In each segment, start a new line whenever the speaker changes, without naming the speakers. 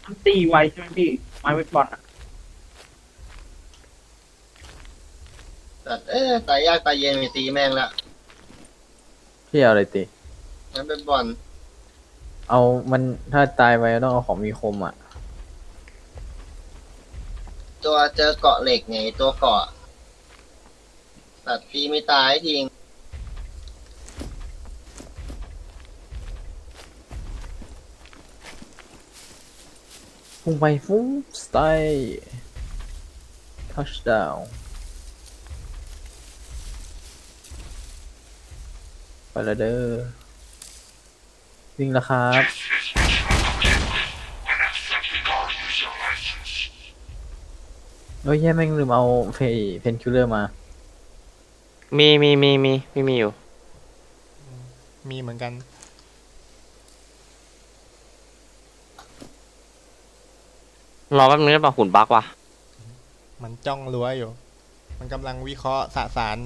มันตีไวใช่ไหมพี่ไม้เวทบอลอ่ะ
แต่ตายยากตายเย็นมีตีแม่งละ
พี่เอาอะไรตี
งั้นเป็นบอล
เอามันถ้าตายไปต้องเอาของมีคมอ่ะ
ตัวเจอเกาะเหล็กไงตัวเกาะตัดตีไม่ตายทิ้ง
พุ่งไปฟุ้งสไตล์ทัชดาวไปแล้วเด้อวิ่งแล้วครับเฮ้ยแย่แม่งลืมเอาเพนคิลเลอร์มา
มีอยู่
มีเหมือนกัน
รอแป๊บนึงได้ป่ะหุ่นบั๊กว่ะ
มันจ้องรั้วอยู่มันกำลังวิเคราะห์สสาร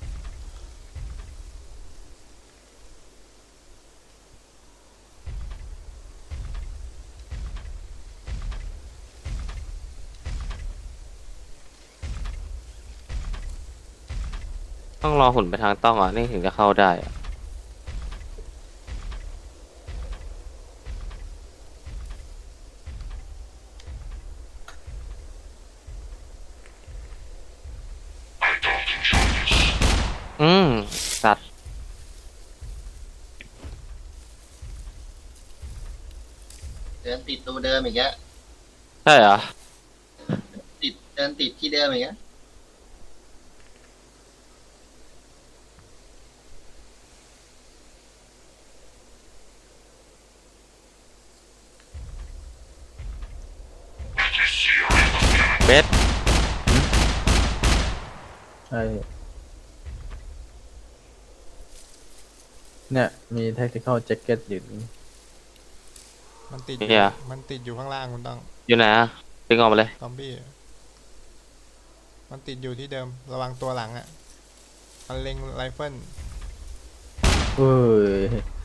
ต้องรอหุ่นไปทางต้องอ่ะนี่ถึงจะเข้าได้อ่ะสัตว์
เดินติดตัวเดิมอีกแล้ว
ใช่เหรอ
เดินติดที่เดิมอีกแล้ว
เบส
ใช่เนี่ยมี tactical jacket อยู่
มันติดอยู่ข้างล่างคุณต้อง
อยู่ไหนอ่ะดึงออกมาเลย
ซอมบี้มันติดอยู่ที่เดิมระวังตัวหลังอ่ะมันเล็งไรเฟิล
เฮ้ย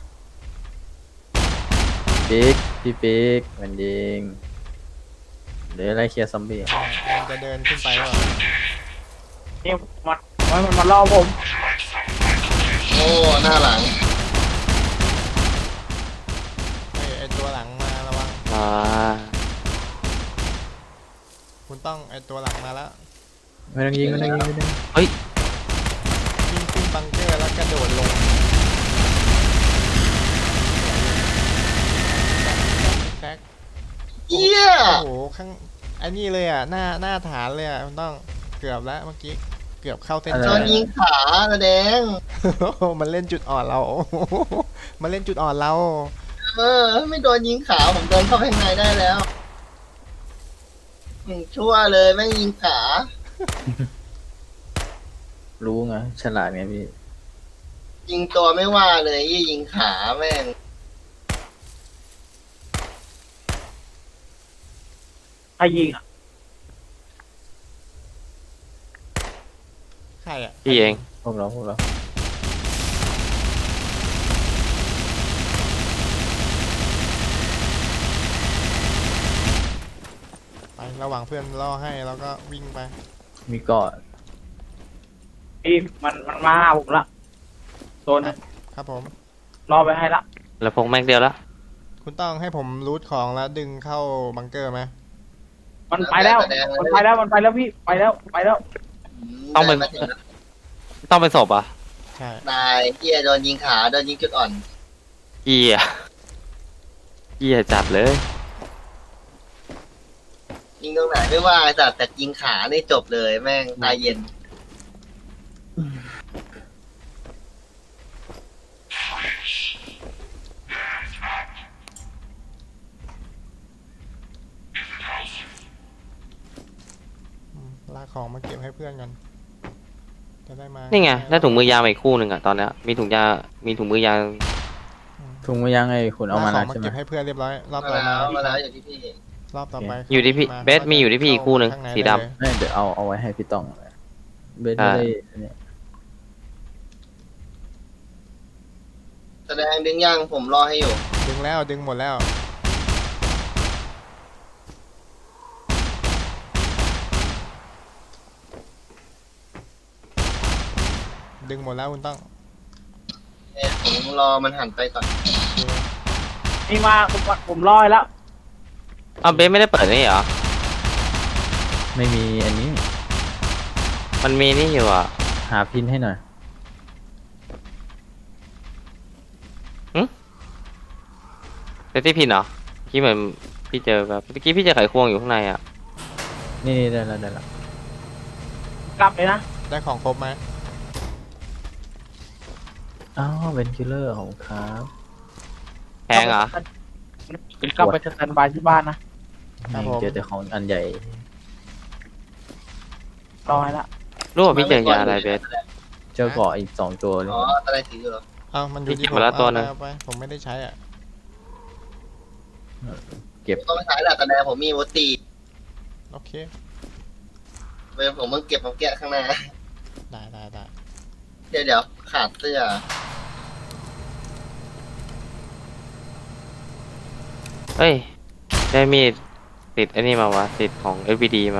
ปิ๊กพี่ปิ๊กมันยิงเดี๋ยวไล่เคลียร์ซอมบี้
มันจะเดินขึ้นไปแล้ว
นี่มันมาล่อผม
โอ้หน้าหลัง
ไอตัวหลังมาระวังคุณต้องไอตัวหลังมาแล้ว
ไม่ต้องยิง
เฮ้ย
วิ่งขึ้นบังเกอร์แล้วกระโดดลงแท็ก
เยี่ย
โอ้โหข้างไอ้นี่เลยอ่ะหน้าฐานเลยอ่ะคุณต้องเกือบแล้วเมื่อกี้เกือบเข้าเส้น
โด
ชั
น
ย
ยิงขาแดง
มันเล่นจุดอ่อนเรามันเล่นจุดอ่อนเรา
ไม่โดนยิงขาผมเดินเข้าไปข้างในได้แล้วชั่วเลยแม่งยิงขา
รู้ไงฉลาดไงพี่
ยิงตัวไม่ว่าเลยยิงขาแม่ง
ใครยิงอ่ะ
ใครอ่ะ
พี่เอง
พวกเรา
ไประหว่างเพื่อนล่อให้แล้วก็วิ่งไป
มีเกาะ
พี่มันมาหาผมละโซน
ครับผม
รอไปให้ละ
แล้วพกแม็กเดียวละ
คุณต้องให้ผมรูทของแล้วดึงเข้าบังเกอร์ไหม
มันไปแล้วพี่ไปแล้ว
ต้องเป็นศพอ่ะ
ใช่
นายเฮียโดนยิงขาโดนยิงจุดอ่อน
เหี้ยจัดเลย
ยิงตรงไหนไม่ว่าแต่ยิงขานี่จบเลยแม่งตายเย็น
ลากของมาเก็บให้เพื่อนกันจะได้มา
นี่ไงได้ถุงมือยางอีกคู่หนึ่งอ่ะตอนเนี้ยมีถุงมือยาง
ไงคุณเอามาแล้วใช่ไหม
เก็บให้เพื่อนเรียบร้อยรอบต่อ
มาแล้วอยู่ที่พี่
รอบต่อไป
อยู่ที่พี่เบสมีอยู่ที่พี่อีกคู่หนึ่งสีดำ
เดี๋ยวเอาไว้ให้พี่ต้องเบสไม่ได้เนี่ย
แสดงดึงย่างผมรอให้อยู่
ดึงแล้วดึงหมดแล้วดึงหมดแล้วคุณต้อง
ผมรอมันหันไปก่อน
นี่มาผมลอยแล้ว
อ้าวเบสไม่ได้เปิดนี่เหรอ
ไม่มีอันนี้
มันมีนี่อยู่อ่ะ
หาพินให้หน่อย
เซฟตี้พินเหรอพี่เหมือนพี่เจอแบบเมื่อกี้พี่เจอไขควงอยู่ข้างในอ่ะ
นี่ได้แล้วได้แล้ว
กลับเลยนะ
ได้ของครบไหม
อ้าวเวนคิลเลอร์ของครับ
แพงเหรอ
กลับไปสแตนบายที่บ้านนะ
เจอแต่ของอันใหญ่
รอให้ละ
รู้ว่าพี่เจอยาอะไรเบส
เจอเกาะอีก2 ตัวเลย
อ๋ออะไรถืออยู่เหรอ
อ้าวมันอยู่ที่
พี่
ผ
เก็
ม
บมาแล้วตัวหนึ่ง
เอาไปผมไม่ได้ใช้อ่ะ
ต้องไปขายแหละตอนแรกผมมีโมตี
โอเค
ผมมึงเก็บมาแกะข้างหน้า
ได้
เดี๋ยวขาดเสื้อ
เฮ้ยได้มีดติดไอ้นี่มาวะติดของ FPD มา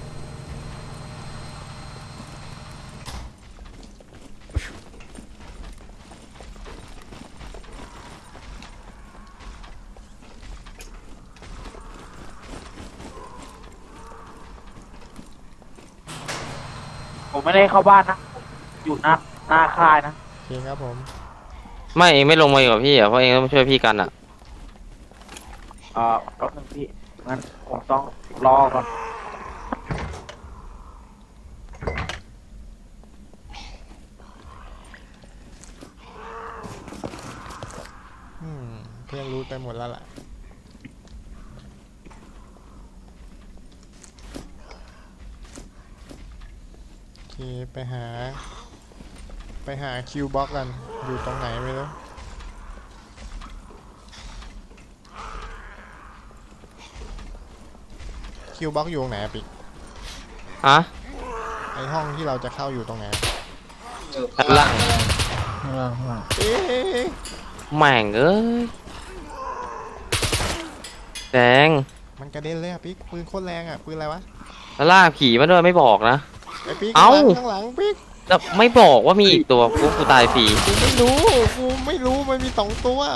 ผมไม่ได้เข้าบ้านนะอยู่หน้าค่ายนะ
โอเคครับผม
ไม่เองไม่ลงมาอยู่กับพี่อ่ะเพราะเองต้องมาช่วยพี่กันอ่ะ
รถหนึ่งพี่งั้นผมต้องรอก่อน
เพื่อนรู้ไปหมดแล้วล่ะโอเคไปหาคิวบ็อกกันอยู่ตรงไหนไม่รู้คิวบ็อกอยู่ตรงไหนอะปิก
ฮะ
ไอห้องที่เราจะเข้าอยู่ตรงไหน
อยู่
ด้านล่าง
ข้างล่างข้างล่าง
เอ๊ะ
แม่งเอ้ยแดง
มันกระเด็นเลยอะปิกปืนโคตรแรงอะปืนอะไรวะ
แล้วล่ากผีมาด้วยไม่บอกนะ
ไอปิก
เอ้า
ข้างหลังปิก
แล้วไม่บอกว่ามีอีกตัวกูตายฟรี
กูไม่รู้มันมี2 ตัว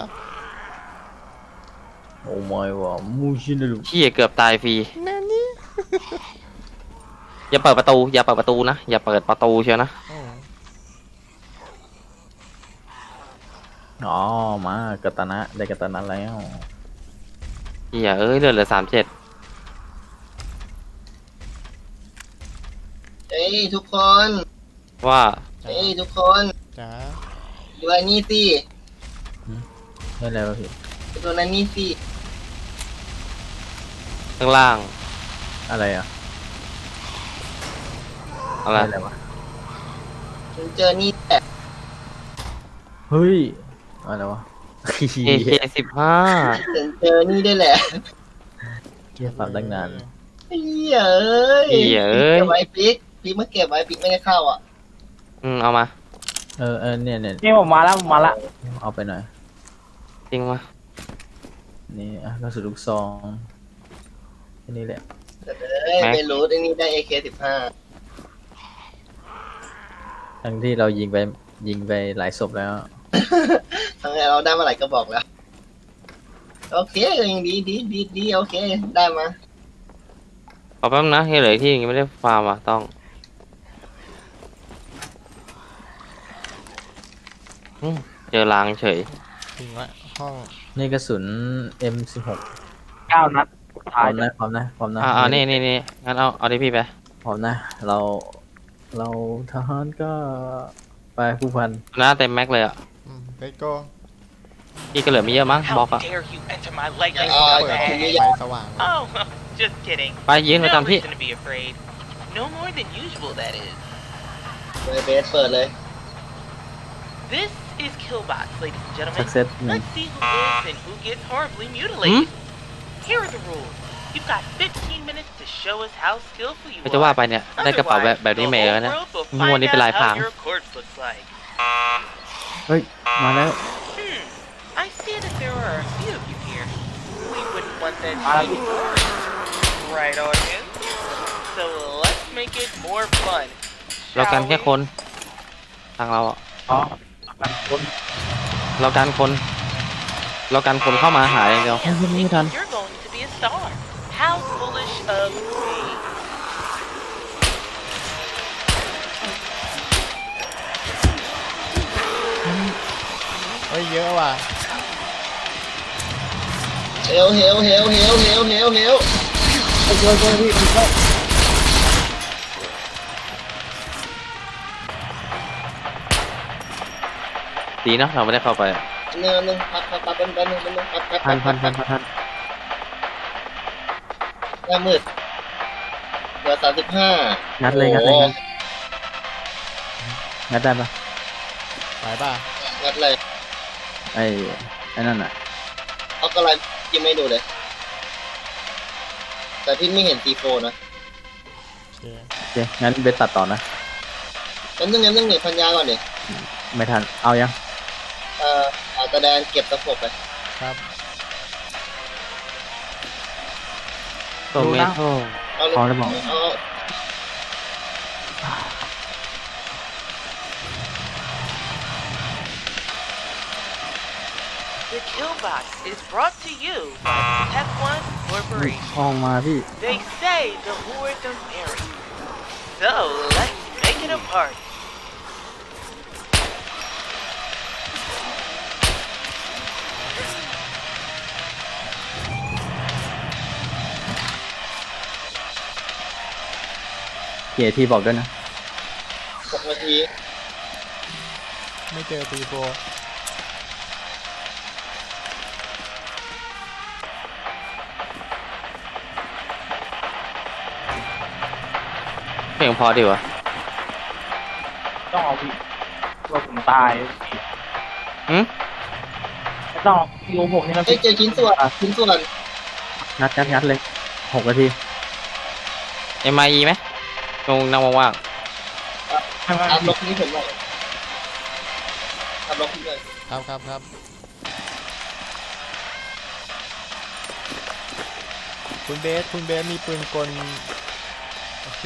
โอ้ไม่ว่ะมูชินลู
พี่เกือบตายฟรี
นั่นนี่
อย่าเปิดประตูอย่าเปิดประตูนะอย่าเปิดประตูเชียวนะ
อ๋อมากาตานะได้กาตานะแล้ว
พี่เอ้ยเหลือ37
เฮ้ยทุกคน
ว่า
เฮ้ยทุกคน
จ๋า
ดูไอ้นี่สิ
ได้แล้วพี่
ดูนั่นนี่สิ
ข้างล่าง
อะไรอ่ะ
อะไร
ได้แล้ววะ
ฉันเจอนี่แหละ
เฮ้ยอะไรวะ
AK15
ฉันเจอนี่ได้แหละ
เกี่ยปรับตั้งนาน
เฮ้ยเอ้ย
เหี้ยเอ้ย
เก็บไว้ปิ๊กมาเก็บไว้ปิ๊กไม่ได้เข้าอ่ะ
เอามา
เนี่ย
นี่ผมมาแล้ว
เอาไปหน่อย
จริงมา
นี่อ่ะกระสุนลูกซองแค่นี้แหละ
ไม่รู้ไอ้นี่ได้ AK15
ทั้งที่เรายิงไปหลายศพแล้ว
ทั้งนี้เราได้มาหลายกระบอกแล้ว โอเคก็ยังดีโอเค ได้มา
ขอแป๊บนะเหลืออีกที่ยังไม่ได้ฟาร์มอ่ะต้องเจอรางเฉย
ถึงละห้อง
นี่กระสุน M16
9 นัด
พ
ท้า
ร้
ย
อมนะพร้อมนะพร้อมนะ
นี่งั้นเอาดิพี่ไป
พร้อมนะเราทหารก็ไปผู้พัน
หน้าเต็มแม็กเลยอ่ะ
เลตโก้
พี่ก็เหลือไม่เยอะมั้งบล็
How
อกอ่ะ
dare you enter my lightning
อ๋อ
เปิด
ที
bag?
นี้
ไฟสว่าง
Oh, just kidding.
ไปยืนประ
No
จำที่
reason to be afraid. No more than usual, that is.
เลยเบสเปิดเลย
This is Killbots, ladies and gentlemen.
Success.
Let's see who lives and who gets horribly mutilated. Here are the rules. You've got 15 minutes to show us how skillful you
ก็จะว่า
are.
ไปเนี่ยได้กระเป๋าแบบนี้
The
มาเอ
whole
อนะ
world will
งวด
find
นี้เป็นลาย
out
พราง
how your corpse looks like.
เฮ้ยมาแล้ว
I see that there are a few of you here. We wouldn't want that to be boring. Right, audience? So let's make it more fun.
เรากันแค่คนทางเราอะ
อ๋อมันคน
เราการคน เราการคนเข้ามาหาอย่างเดียว
ยังไม่ทัน
You're going to be a star. How foolish of me.
เฮ้ยเยอะว่ะ
เฮลเฮลเฮลเฮลเฮลเฮลเฮล
ไปช่วยพี่ช่วย
ดีนะเราไม่ได้เข้าไป
หนึ่งพับเป็นพับ
ทัน
หน้ามืดเหลือ35
งัดเลยงัดได้ปะ
ไปป่ะ
งัดเลย
ไอ้นั่นอ่ะ
เอาอะไรยังไม่ดูเลย แต่พี่ไม่เห็นC4นะ
โอเค
โอเคงั้นเบสตัดต่อนะ
งั้นนึงหนีพันยาก่อนดิ
ไม่ทันเอายัง
เอาตะแดนเก็บตะขบไป
ครับ
ตัวเมทัล
เอาเลย
พอแล้วบอก
เอา
The kill box is brought to you by Tech One
ห้
Corporation.
องมาพี่
They say the more the merrier. So let's make it a party.
เกียร์ที่บอกด้วยนะ
6 นาที
ไม่เจอตีโฟ
เพลงพอดีวะ
ต้องเอาพี่ตัวผมตายพี่
หืม
ไม่ต้องพี่โอผมนี่นะ
เอ้ย
พี่
เจอชิ้นส่วน
งัดเลย6 นาที
MIE ไหมตรงนั่งว่าง
ไม่
ตามล
พี่
บนี้ผมหน่อยตามลบนี้เลย
ครับคุณเบสมีปืนกลโอเค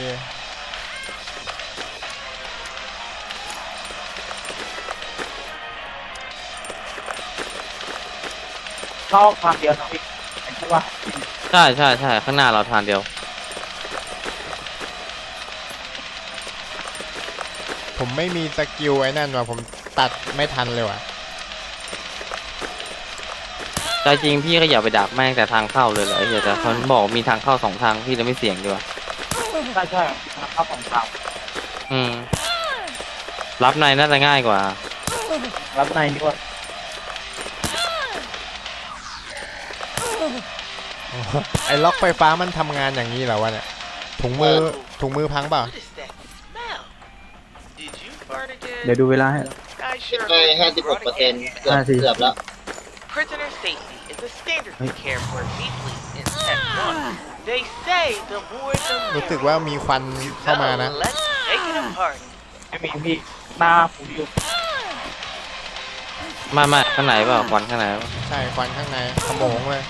เข้าทางเดียวนะพี่ใช่ป่ะ
ๆใช่ข้างหน้าเราทางเดียว
ผมไม่มีสกิลไอ้นั่นว่ะผมตัดไม่ทันเลยว่ะ
ใจจริงพี่ก็อย่าไปดักแม่งแต่ทางเข้าเลยเหรอไอ้เหี้ยแต่เขาบอกมีทางเข้า2 ทางพี่เลยไม่เสี่ยงดีกว่า
ใช่เข้าของทาง
อืม รับในน่าจะง่ายกว่า
รับในดีกว่า
ไอ้ล็อกไฟฟ้ามันทำงานอย่างนี้เหรอวะเนี่ยถุงมือพังเปล่า
What is that smell? Did you fart again?
เดี๋ยวดูเวลาให้
I sure
ได้
hope you brought a
56%
gas.
เกือบแล้ว
Prisoner safety is a standard we care for deeply in Tech One. They say the more the
รู้สึก
merrier.
ว่ามีควันเข้ามานะ
So let's make it a party.
ไม่มีพี่หน้าผมอยู่
ไม่ข้างในเปล่าควันข้างในเปล่า
ใช่ควันข้างในขโมงเลย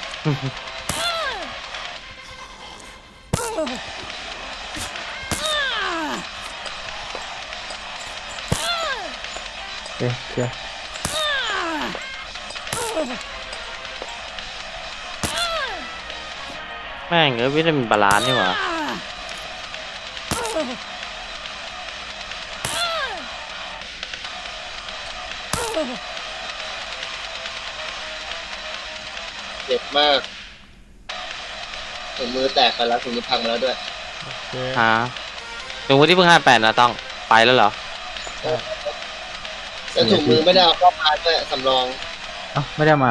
เอ๊ะเคลียร์
แม่งวิตามินบาลานซ์นี่หว่า
เจ็บมากถุงมือแตกไปแล้วถุงมือพังมาแล้วด้วย
โอเค
ฮะถึงวันที่เพิ่ง58นะต้องไปแล้วเหรอ
แล้วถุงมือไม่ได้เอาเข้ามาด้วยสำรอง
เอ้าไม่ได้มา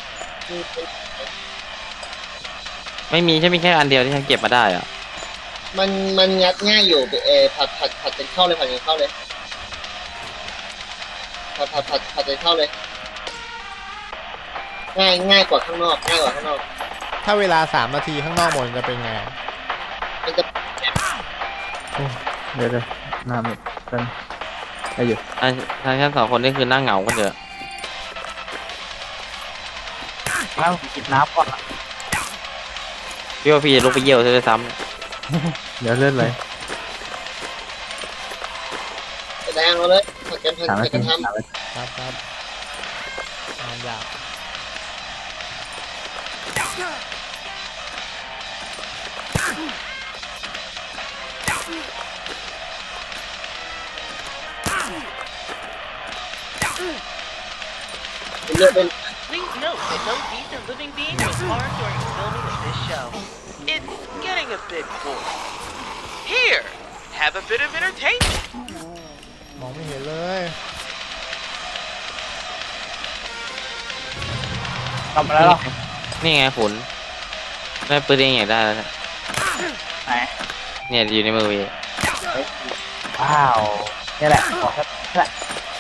ไม่มีใช่ไหมแค่อันเดียวที่ฉันเก็บมาได้อะ
มันงัดง่ายอยู่ผัดเป็นเข้าเลยผัดเป็นเข้าเลยผัดเป็นเข้าเลย ง่ายกว่าข้างนอก
ถ้าเวลา3 นาทีข้างนอกหมดจะเป็นไง
มันจะ
เดี๋ยวหน้าหมดกันได้อยู่
ทางฉัน2 คนนี่คือนั่งเหงากันเถอะ
แล้วกินน้ำก่อน
พี่ว่าพี่จะลุกไปเยี่ยวซะด้วยซ้
เดี๋ยวเลื่อนเลย
แสดงเอาเลยกันทัน
3 นาที
กันท
3 นาที
ครับครับงานยาก
ำเลือกเป็น
Please note that no decent living being was harmed during the filming of this show. It's getting a bit boring. Here, have a bit of entertainment.
มองไม่เห็นเลย
ทำอะไรหรอ
นี่ไงขุนได้ปืนเองอยากได้แล้วเนี่ย
ไหน
เนี่ยอยู่ในมือพี่
ว้าวนี่แหละบอกแค่นี่แหละ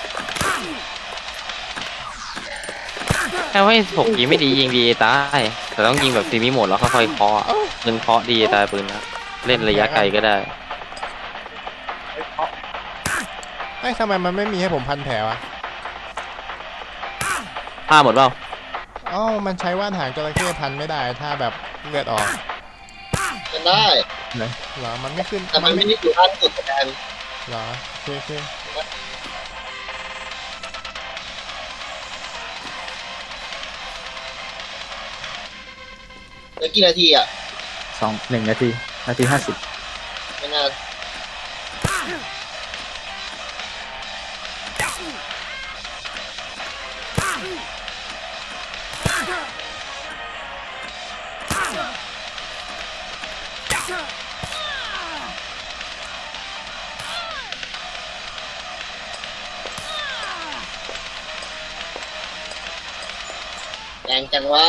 แค่ว่าถกยิงไม่ดียิงดีตายแต่ต้องยิงแบบซีมิโหมดแล้วค่อยๆเคาะอะปืนเคาะดีตายปืนนะเล่นระยะไกลก็ได้
เอ้ยทำไมมันไม่มีให้ผมพันแผลวะ
ผ้าหมดเปล่า
อ๋อมันใช้ว่านหางจระเข้พันไม่ได้ถ้าแบบเลือดออก
กันได้
เหรอมันไม่ขึ้น
แต่มันไม่ได้อยู่ด้านสุดกัน
เหรอโอเคโอเค
แล้วกี่นาทีอ่ะ
1 นาที นาที 50
ไม่นานแรงจังวะ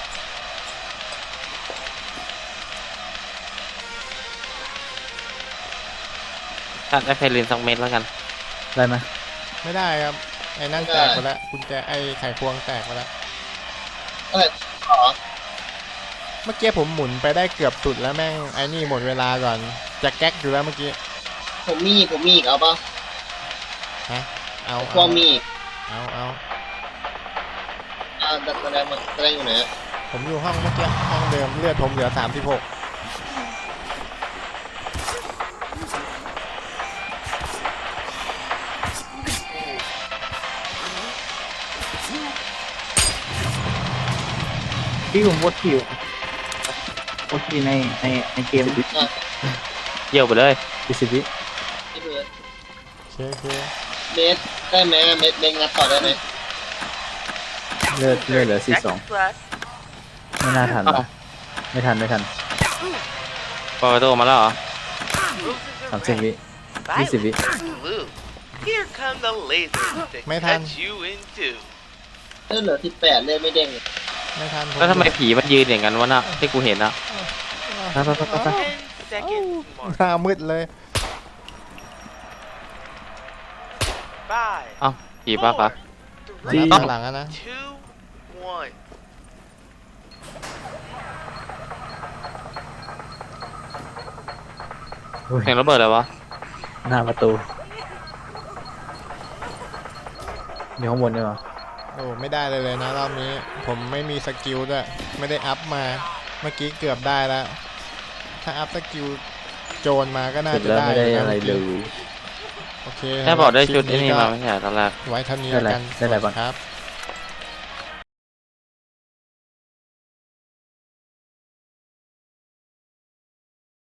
ถ้าได้ไฟลินสักเม็ดแล้วกัน
ได้ไหม
ไม่ได้ครับไอ้นั่นแตกไปแล้วกุญแจไอ้ไขควงแตกไปแล้ว
ขอ
เมื่อกี้ผมหมุนไปได้เกือบสุดแล้วแม่งไอ้นี่หมดเวลาก่อนจะแก๊กอยู่แล้วเมื่อกี้
ผมมีอีกเอาป่ะ
ฮะเอา
ควงมีอีก
เอา
แสดงอยู่ไหนอะ
ผมอยู่ห้องเมื่อกี้ห้องเดิมเลือดผมเหลือ36
ที่ผมวดคิววดคิวในเกม
เยี่ยวไปเลย
20 วิ
ที่เพื่อน
โอเค
เมตรได้ไหมเมตรเบงงัดต่อได้ไหม
เลือดเหลือ
Seconds
42
left.
ไม่น่าทัน
อ้าว
ไม่ทัน
เปิดประตูมาแล้วเหรอ
Roses are
30 วิ
red,
20 วิ
violets are blue. Here come the lasers to
Mấy
cut
thanh.
you in two.
เลือดเหลือ18เลือดไม่เด้ง
ไม่ทัน
แล้วทำไมผีมันยืนอย่างนั้นวะน่ะที่กูเห็นอะ
ไปไปไปไป
10 seconds mark.
หน้ามืดเลย
Five,
เอ้าผีป้าปะ
มา
three,
นับถอยหลังอะนะ
two, one.
อุ้ย
เสียงระเบิดอะไรวะ
หน้าประตู อยู่ข้างบนด้วยเหรอ
โอ้ไม่ได้เลยนะรอบนี้ผมไม่มีสกิลด้วยไม่ได้อัพมาเมื่อกี้เกือบได้แล้ว ถ้าอัพสกิลโจรมาก็น่า
เสร็จ
จะ
แล้ว
ได้
ไม่ได้
ยู่น
อะไรเลย
โอเค
แค่บอกได้ชุด
คลิ
ไอ้
ป
นี่
ก็
มาไม่ใช่เหรอตอนแรก
ไว้เท่านี้
ได้
แล้ว
อะไร
กัน
ได้อะไรบ้าง
ครับ